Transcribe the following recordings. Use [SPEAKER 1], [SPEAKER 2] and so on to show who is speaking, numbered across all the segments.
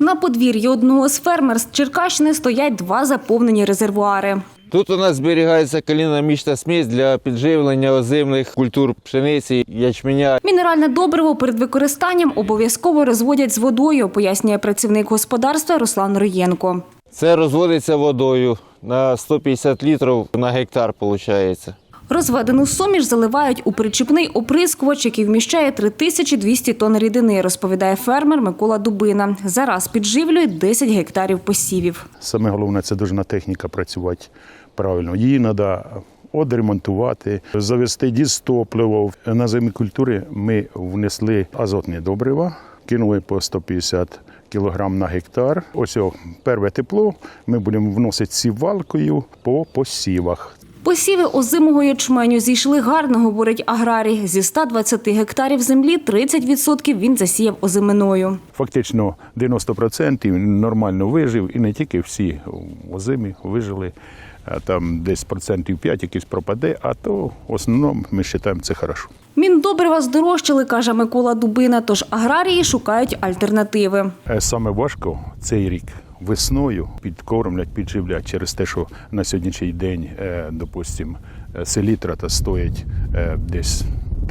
[SPEAKER 1] На подвір'ї одного з фермерств Черкащини стоять два заповнені резервуари.
[SPEAKER 2] Тут у нас зберігається калійно-мічна смесь для підживлення озимих культур пшениці, ячменя.
[SPEAKER 1] Мінеральне добриво перед використанням обов'язково розводять з водою, пояснює працівник господарства Руслан Роєнко.
[SPEAKER 2] Це розводиться водою на 150 літрів на гектар, виходить.
[SPEAKER 1] Розведену суміш заливають у причіпний оприскувач, який вміщає 3200 тонн рідини, розповідає фермер Микола Дубина. Зараз підживлюють 10 гектарів посівів.
[SPEAKER 3] Саме головне – це должна техніка працювати правильно. Її треба відремонтувати, завести дізтопливо. На озимі культури ми внесли азотні добрива, кинули по 150 кілограм на гектар. Ось перше тепло ми будемо вносити сівалкою по посівах.
[SPEAKER 1] Посіви озимого ячменю зійшли гарно, говорить аграрій. Зі 120 гектарів землі 30% він засіяв озиминою.
[SPEAKER 3] Фактично 90% нормально вижив, і не тільки всі озимі вижили. Там десь 5% якийсь пропаде, а то в основному ми вважаємо це добре.
[SPEAKER 1] Міндобрива здорожчали, каже Микола Дубина, тож аграрії шукають альтернативи.
[SPEAKER 3] Саме важко цей рік весною підкормлять, підживлять через те, що на сьогоднішній день, допустимо, селітра стоїть десь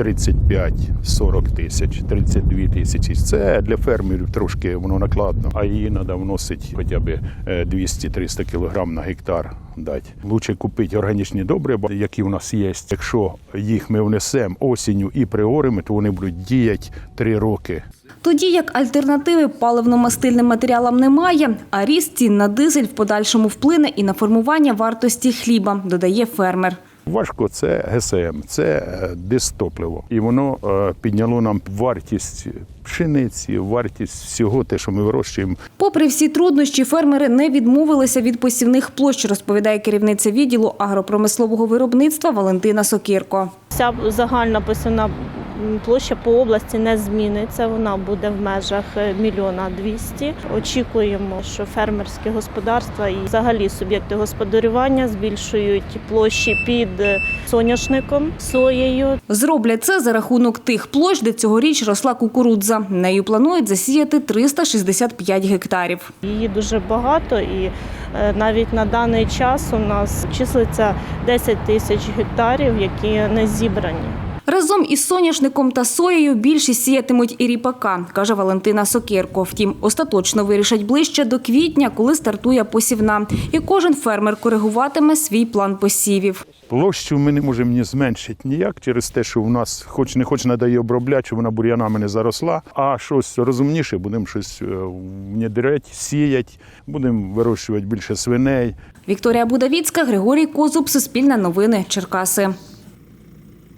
[SPEAKER 3] 35-40 тисяч, 32 тисячі. Це для фермерів трошки воно накладно, а її треба вносити хоча б 200-300 кілограм на гектар дати. Лучше купити органічні добрива, які у нас є. Якщо їх ми внесемо осінню і приоримо, то вони будуть діяти 3 роки.
[SPEAKER 1] Тоді як альтернативи паливно-мастильним матеріалам немає, а ріст цін на дизель в подальшому вплине і на формування вартості хліба, додає фермер.
[SPEAKER 3] Важко – це ГСМ, це дизтопливо. І воно підняло нам вартість пшениці, вартість всього те, що ми вирощуємо.
[SPEAKER 1] Попри всі труднощі, фермери не відмовилися від посівних площ, розповідає керівниця відділу агропромислового виробництва Валентина Сокирко.
[SPEAKER 4] Вся загальна посівна площа по області не зміниться, вона буде в межах 1 200 000. Очікуємо, що фермерські господарства і взагалі суб'єкти господарювання збільшують площі під соняшником, соєю.
[SPEAKER 1] Зроблять це за рахунок тих площ, де цьогоріч росла кукурудза. Нею планують засіяти 365 гектарів.
[SPEAKER 4] Її дуже багато і навіть на даний час у нас числиться 10 тисяч гектарів, які не зібрані.
[SPEAKER 1] Разом із соняшником та соєю більшість сіятимуть і ріпака, каже Валентина Сокирко. Втім, остаточно вирішать ближче до квітня, коли стартує посівна. І кожен фермер коригуватиме свій план посівів.
[SPEAKER 3] Площу ми не можемо ні зменшити ніяк через те, що в нас хоч не треба її обробляти, щоб вона бур'янами не заросла, а щось розумніше, будемо щось внедряти, сіяти, будемо вирощувати більше свиней.
[SPEAKER 1] Вікторія Будавіцька, Григорій Козуб, Суспільне новини, Черкаси.